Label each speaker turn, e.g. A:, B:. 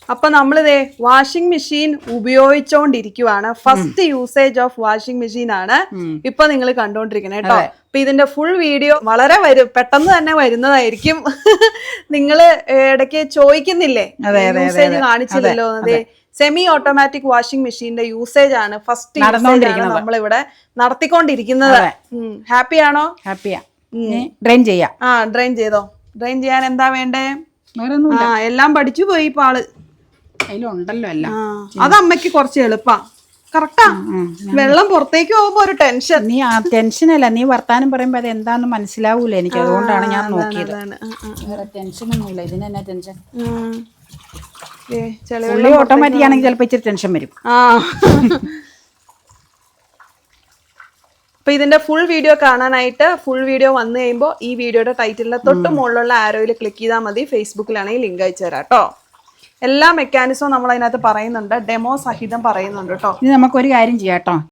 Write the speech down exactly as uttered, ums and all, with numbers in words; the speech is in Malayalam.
A: അപ്പൊ നമ്മളിതേ വാഷിംഗ് മെഷീൻ ഉപയോഗിച്ചോണ്ടിരിക്കുവാണ്. First usage of washing machine ആണ് ഇപ്പൊ നിങ്ങൾ കണ്ടോണ്ടിരിക്കുന്നത് കേട്ടോ. അപ്പൊ ഇതിന്റെ ഫുൾ വീഡിയോ വളരെ വരും പെട്ടെന്ന് തന്നെ വരുന്നതായിരിക്കും. നിങ്ങള് ഇടയ്ക്ക് ചോദിക്കുന്നില്ലേ യൂസേജ് കാണിച്ചില്ലല്ലോ. അതെ, സെമി ഓട്ടോമാറ്റിക് വാഷിംഗ് മെഷീന്റെ യൂസേജ് ആണ് ഫസ്റ്റ് നമ്മളിവിടെ നടത്തിക്കൊണ്ടിരിക്കുന്നത്. ഹാപ്പി ആണോ?
B: ഹാപ്പിയാ. ഡ്രെയിൻ ചെയ്യാം.
A: ആ ഡ്രെയിൻ ചെയ്തോ. ഡ്രെയിൻ ചെയ്യാൻ എന്താ വേണ്ടേ? ആ എല്ലാം പഠിച്ചു പോയി ഇപ്പൊ ആള്.
B: അതിലുണ്ടല്ലോ എല്ലാം.
A: അത് അമ്മയ്ക്ക് കുറച്ച് എളുപ്പാ. കറക്റ്റാ. വെള്ളം പുറത്തേക്ക് പോകുമ്പോ ഒരു ടെൻഷൻ.
B: നീ ആ ടെൻഷനല്ല, നീ വർത്താനം പറയുമ്പോ അത് എന്താന്ന് മനസ്സിലാവൂല എനിക്ക്. അതുകൊണ്ടാണ് ഞാൻ നോക്കിയത്. വേറെ ടെൻഷനൊന്നുമില്ല. ഇതിന് തന്നെ ടെൻഷൻ. ഓട്ടോമാറ്റിക് ആണെങ്കിൽ ചിലപ്പോ ഇച്ചിരി ടെൻഷൻ വരും.
A: ആ അപ്പൊ ഇതിന്റെ ഫുൾ വീഡിയോ കാണാനായിട്ട് ഫുൾ വീഡിയോ വന്നു കഴിയുമ്പോൾ ഈ വീഡിയോയുടെ ടൈറ്റിലിന്റെ തൊട്ട് മുകളിലുള്ള ആരോയിൽ ക്ലിക്ക് ചെയ്താൽ മതി. ഫേസ്ബുക്കിലാണെങ്കിൽ ലിങ്ക് അയച്ചു തരാം കേട്ടോ. എല്ലാ മെക്കാനിസവും നമ്മൾ അതിനകത്ത് പറയുന്നുണ്ട്, ഡെമോ സഹിതം പറയുന്നുണ്ട് കേട്ടോ.
B: ഇനി നമുക്കൊരു കാര്യം ചെയ്യാം കേട്ടോ.